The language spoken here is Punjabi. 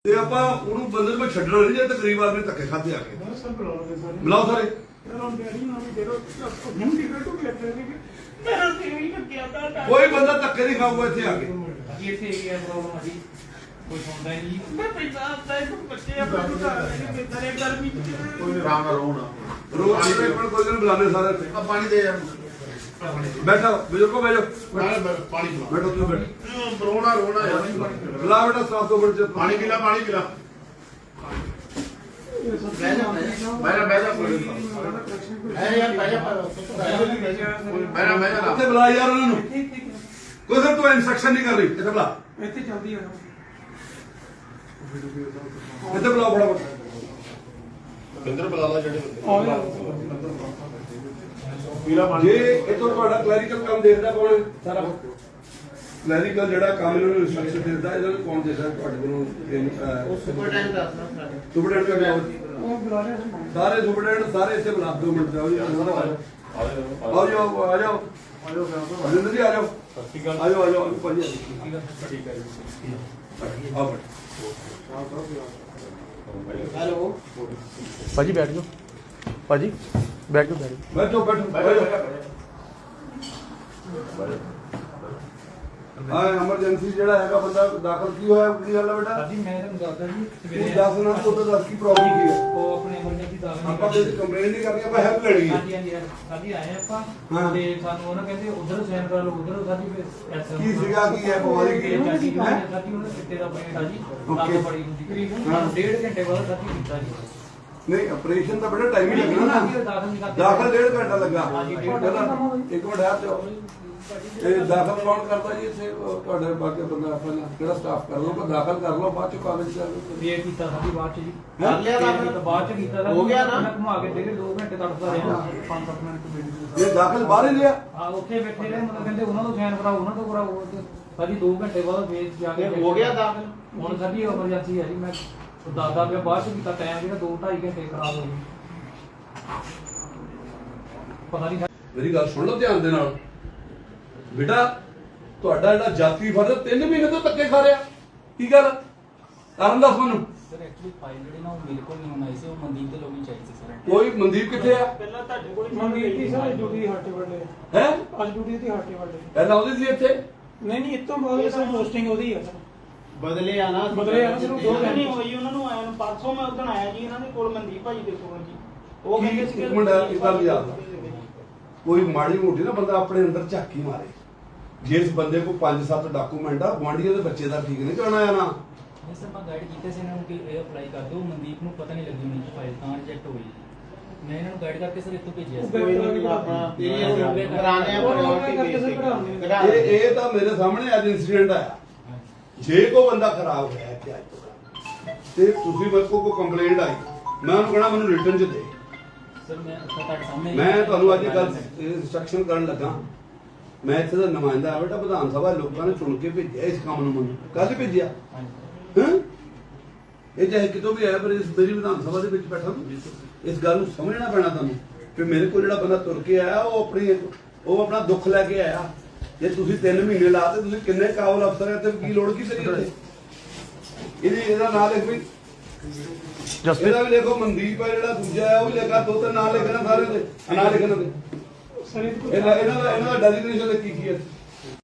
ਤੇ ਆਪਾਂ ਉਹਨੂੰ ਬੰਦੇ ਨੂੰ ਛੱਡਣਾ ਨਹੀਂ ਜੇ ਤਕਰੀਬ ਆਦਮੀ ਧੱਕੇ ਖਾਦੇ ਆ ਕੇ ਬੁਲਾਓ ਸਾਰੇ ਕੋਈ ਬੰਦਾ ਧੱਕੇ ਨਹੀਂ ਖਾਊਗਾ ਇੱਥੇ ਆ ਕੇ ਕੋਈ ਸੁਣਦਾ ਹੀ ਨਹੀਂ। ਮੈਂ ਪੈਸਾ ਆਪਦਾ ਇੱਕ ਬੱਚੇ ਆਪਣੇ ਘਰ ਲੈ ਕੇ ਬੇਤਾਰੇ ਗਰਮੀ ਚ ਕੋਈ ਆਰਾਮ ਨਾਲ ਰੋਜ਼ ਆਪਣੇ ਕੋਲ ਕੋਈ ਨਹੀਂ ਬੁਲਾਣੇ ਸਾਰੇ ਇੱਥੇ ਆ ਪਾਣੀ ਦੇ ਯਾਰ ਬੈਠੋ ਬਜ਼ੁਰਗੋ ਬੈਠੋ ਪਾਣੀ ਪਿਲਾ ਬੈਠੋ ਤੁਸੀਂ ਬੈਠੋ ਰੋਣਾ ਯਾਰ ਬੁਲਾ ਬੇਟਾ ਸਾਫ ਤੋਂ ਬੈਠ ਪਾਣੀ ਪਿਲਾ ਬਹਿ ਜਾ ਇੱਥੇ ਬੁਲਾ ਯਾਰ ਉਹਨਾਂ ਨੂੰ ਕੋਈ ਸਰ ਤੂੰ ਇਨਸਟਰਕਸ਼ਨ ਨਹੀਂ ਕਰ ਰਹੀ ਇੱਥੇ ਬੁਲਾ ਇੱਥੇ ਚੱਲਦੀ ਆ ਇੱਥੇ ਬੁਲਾਓ ਫਟਾਫਟ ਬਿੰਦਰ ਬੁਲਾ ਲਾ ਜਿਹੜੇ ਜੇ ਇਥੋਂ ਤੁਹਾਡਾ ਕਲੈਰੀਕਲ ਕੰਮ ਦੇਖਦਾ ਕੌਣ ਸਾਰਾ ਕਲੈਰੀਕਲ ਜਿਹੜਾ ਕੰਮ ਇਹਨਾਂ ਨੂੰ ਇਨਸਟਰਕਸ਼ਨ ਦਿੰਦਾ ਇਹਨਾਂ ਨੂੰ ਕੌਣ ਦੇਖਦਾ ਤੁਹਾਡੇ ਕੋਲੋਂ ਸੁਪਰਡੈਂਟ ਦੱਸਣਾ ਸਾਡੇ ਸੁਪਰਡੈਂਟ ਦਾ ਨਾਮ ਉਹ ਬੁਲਾ ਰਿਹਾ ਸਾਰੇ ਸੁਪਰਡੈਂਟ ਸਾਰੇ ਇੱਥੇ ਬੁਲਾ 2 ਮਿੰਟ ਜਾਓ ਜੀ ਆਓ ਜਾਓ ਆ ਜਾਓ ਅਜਿੰਦਰ ਜੀ ਆ ਜਾਓ ਆ ਜਾਓ ਆ ਜਾਓ ਭਾਜੀ ਠੀਕ ਹੈ ਜੀ ਆਓ ਹੈਲੋ ਭਾਜੀ ਬੈਠ ਜਾਓ ਭਾਜੀ ਬੈਠ ਜਾਓ ਬੈਠੋ ਹਾਂ ਐਮਰਜੈਂਸੀ ਜਿਹੜਾ ਹੈਗਾ ਬੰਦਾ ਦਾਖਲ ਕੀ ਹੋਇਆ ਕੀ ਗੱਲ ਹੈ ਬੇਟਾ ਜੀ ਮੈਂ ਤੁਹਾਨੂੰ ਦੱਸਦਾ ਜੀ ਤੂੰ ਸਵੇਰੇ ਦੱਸ ਨਾ ਤੂੰ ਤਾਂ ਦੱਸ ਕੀ ਪ੍ਰੋਬਲਮ ਕੀ ਹੈ ਉਹ ਆਪਣੇ ਐਮਰਜੈਂਸੀ ਦਾਖਲ ਆਪਾਂ ਕੋਈ ਕੰਪਲੇਂਟ ਨਹੀਂ ਕਰਨੀ ਆਪਾਂ ਹੈਲਪ ਲੈਣੀ ਹੈ ਸਾਡੀ ਆਏ ਆਪਾਂ ਹਾਂ। ਤੇ ਸਾਨੂੰ ਉਹਨਾਂ ਕਹਿੰਦੇ ਉਧਰ ਸਾਈਨ ਕਰਾ ਲਓ ਉਧਰ ਸਾਡੀ ਫਿਰ ਐਸਐਮ ਕੀ ਸੀਗਾ ਕੀ ਹੈ ਬਿਮਾਰੀ ਕੀ ਹੈ ਸਾਡੀ ਉਹਨੇ ਚਿੱਟੇ ਦਾ ਪੇਟ ਆ ਜੀ Okay. ਅੱਗ ਬੜੀ ਹੁੰਦੀ ਸਾਨੂੰ 1.5 ਘੰਟੇ ਬਾਅਦ ਸਾਡੀ ਕੀਤਾ ਜੀ ਨਹੀਂ ਆਪਰੇਸ਼ਨ ਦਾ ਬੜਾ ਟਾਈਮ ਹੀ ਲੱਗਣਾ ਨਾ ਦਾਖਲ ਨਹੀਂ ਕਰਦੇ ਦਾਖਲ 1.5 ਘੰਟਾ ਲੱਗਾ ਹਾਂਜੀ, 1.5 ਪਹਿਲਾਂ ਇੱਕ ਮਿੰਟ ਆ ਜਾਓ ਇਹ ਦਾਖਲ ਕੌਣ ਕਰਦਾ ਜੀ ਇੱਥੇ ਤੁਹਾਡੇ ਬਾਕੀ ਬੰਦਾ ਆਪਣਾ ਕਿਹੜਾ ਸਟਾਫ ਕਰ ਲਓ ਦਾਖਲ ਕਰ ਲਓ ਬਾਅਦ ਚ ਕਾਗਜ਼ ਕਰ ਲਓ ਵੇਟ ਕੀਤਾ ਸਾਡੀ ਬਾਅਦ ਚ ਜੀ ਕਰ ਲਿਆ ਦਾਖਲ? ਤਾਂ ਬਾਅਦ ਚ ਕੀਤਾ ਹੋ ਗਿਆ ਨਾ? ਘੁਮਾ ਕੇ ਦੇ 2 ਘੰਟੇ ਤੜਫਦਾ ਰਿਹਾ 5-7 ਮਿੰਟ ਇਹ ਦਾਖਲ ਬਾਹਰ ਹੀ ਲਿਆ ਆ ਉੱਥੇ ਬੈਠੇ ਰਹੇ ਮਤਲਬ ਕਹਿੰਦੇ ਉਹਨਾਂ ਤੋਂ ਸਾਈਨ ਕਰਾਓ ਉਹਨਾਂ ਤੋਂ ਕਰਾਓ ਸਾਡੀ 2 ਘੰਟੇ ਬਾਅਦ ਫੇਰ ਜਾ ਕੇ ਹੋ ਗਿਆ ਦਾਖਲ? ਹੁਣ ਸਾਡੀ ਐਮਰਜੈਂਸੀ ਹੈ ਜੀ ਮੈਂ ਦੱਸਦਾ ਪਿਆ ਬਾਅਦ ਚ ਕੀਤਾ ਟਾਈਮ ਜਿਹੜਾ 2-2.5 ਘੰਟੇ ਖਰਾਬ ਹੋ ਗਏ ਪਤਾ ਨਹੀਂ ਮੇਰੀ ਗੱਲ ਸੁਣ ਲਓ ਧਿਆਨ ਦੇ ਨਾਲ ਬੇਟਾ ਤੁਹਾਡਾ ਜਿਹੜਾ ਜਾਤੀ ਫਰਜ਼ 3 ਮਹੀਨੇ ਤੋਂ ਧੱਕੇ ਖਾ ਰਿਹਾ ਕੀ ਗੱਲ ਕਾਰਨ ਦੱਸ ਮੈਨੂੰ ਸਰ ਐਕਚੁਅਲੀ ਫਾਈਲ ਜਿਹੜੇ ਨਾ ਉਹ ਮੇਰੇ ਕੋਲ ਨਹੀਂ ਹੋਣਾ ਸੀ ਉਹ ਮਨਦੀਪ ਦੇ ਲੋਗੀ ਚਾਹੀਦੀ ਸੀ ਸਰ ਕੋਈ ਮਨਦੀਪ ਕਿੱਥੇ ਆ ਪਹਿਲਾਂ ਤੁਹਾਡੇ ਕੋਲ ਮਨਦੀਪ ਦੀ ਸਾਰੇ ਡਿਊਟੀ ਹਾਟੇ ਵੱਡੇ ਹੈ ਅੱਜ ਡਿਊਟੀ ਦੀ ਹਾਟੇ ਵੱਡੇ ਪਹਿਲਾਂ ਉਹਦੀ ਸੀ ਇੱਥੇ ਨਹੀਂ ਇਤੋਂ ਬਾਅਦ ਸਰ ਪੋਸਟਿੰਗ ਉਹਦੀ ਹੈ ਸਰ ਬਦਲੇ ਆ ਨਾ ਸਿਰਫ 2 ਘੰਟੇ ਨਹੀਂ ਹੋਈ ਉਹਨਾਂ ਨੂੰ ਆਇਆ ਨੂੰ ਪਰਸੋਂ ਮੈਂ ਉਦੋਂ ਆਇਆ ਜੀ ਇਹਨਾਂ ਦੇ ਕੋਲ ਮਨਦੀਪ ਭਾਜੀ ਦੇ ਕੋਲ ਜੀ ਉਹ ਕਹਿੰਦੇ ਸੀ ਇੱਕ ਮਿੰਟ ਇਦਾਂ ਦੀ ਯਾਦ ਕੋਈ ਮਾੜੀ ਮੋਟੀ ਨਾ ਬੰਦਾ ਆਪਣੇ ਅੰਦਰ ਝਾਕੀ ਮਾਰੇ ਜਿਸ ਬੰਦੇ ਕੋ 5-7 ਡਾਕੂਮੈਂਟ ਆ ਗੁਆਂਢੀਆਂ ਦੇ ਬੱਚੇ ਦਾ ਠੀਕ ਨਹੀਂ ਜਾਣਾ ਆ ਨਾ ਨਹੀਂ ਸਰ ਮੈਂ ਗਾਈਡ ਕੀਤੇ ਸੀ ਇਹਨਾਂ ਨੂੰ ਕਿ ਇਹ ਅਪਲਾਈ ਕਰ ਦਿਓ ਮਨਦੀਪ ਨੂੰ ਪਤਾ ਨਹੀਂ ਲੱਗੀ ਹੋਣੀ ਕਿ ਫਾਈਲ ਤਾਂ ਰਿਜੈਕਟ ਹੋਈ ਮੈਂ ਇਹਨਾਂ ਨੂੰ ਗਾਈਡ ਕਰਕੇ ਸਰ ਇੱਥੋਂ ਭੇਜਿਆ ਸੀ ਇਹ ਤਾਂ ਮੇਰੇ ਸਾਹਮਣੇ ਅੱਜ ਇਨਸੀਡੈਂਟ ਆਇਆ ਜੇ ਕੋ ਬੰਦਾ ਖਰਾਬ ਹੋਇਆ ਇੱਥੇ ਅੱਜ ਤੋਂ ਤੇ ਤੁਸੀਂ ਮੇਰੇ ਕੋ ਕੰਪਲੇਂਟ ਆਈ ਮੈਂ ਉਹਨੂੰ ਕਹਣਾ ਮੈਨੂੰ ਰਿਟਰਨ ਚ ਦੇ ਸਰ ਮੈਂ ਤੁਹਾਡੇ ਸਾਹਮਣੇ ਮੈਂ ਤੁਹਾਨੂੰ ਅੱਜ ਕੱਲ ਇੰਸਟਰਕਸ਼ਨ ਕਰਨ ਲੱਗਾ ਮੈਂ ਇੱਥੇ ਦਾ ਨੁਮਾਇੰਦਾ ਆ ਬੇਟਾ ਵਿਧਾਨ ਸਭਾ ਲੋਕਾਂ ਨੇ ਚੁਣ ਕੇ ਭੇਜਿਆ ਇਸ ਕੰਮ ਨੂੰ ਮੈਨੂੰ ਕੱਲ ਭੇਜਿਆ ਹਾਂ ਇਹ ਚਾਹੇ ਕਿਤੋਂ ਵੀ ਆਇਆ ਪਰ ਇਸ ਮੇਰੀ ਵਿਧਾਨ ਸਭਾ ਦੇ ਵਿੱਚ ਬੈਠਾ ਇਸ ਗੱਲ ਨੂੰ ਸਮਝਣਾ ਪੈਣਾ ਤੁਹਾਨੂੰ ਕਿ ਮੇਰੇ ਕੋਲ ਜਿਹੜਾ ਬੰਦਾ ਤੁਰ ਕੇ ਆਇਆ ਉਹ ਆਪਣਾ ਦੁੱਖ ਲੈ ਕੇ ਆਇਆ ਜੇ ਤੁਸੀਂ 3 ਮਹੀਨੇ ਲਾਤੇ ਤੁਸੀਂ ਕਿੰਨੇ ਕਾਬਲ ਅਫਸਰ ਹੈ ਤੇ ਕੀ ਲੋੜ ਕੀ ਸਹੀ ਇੱਥੇ ਇਹਦਾ ਨਾਂ ਲਿਖ ਵੀ ਇਹਦਾ ਵੀ ਦੇਖੋ ਮਨਦੀਪ ਹੈ ਜਿਹੜਾ ਦੂਜਾ ਹੈ ਉਹ ਵੀ ਲਿਖਾ 2-3 ਨਾਂ ਲਿਖਣਾ ਸਾਰੇ ਦੇ ਨਾਂ ਲਿਖਣਾ ਦੇ ਸਰ ਇਹਨਾਂ ਦਾ ਡੈਜ਼ਿਗਨੇਸ਼ਨ ਕੀ ਹੈ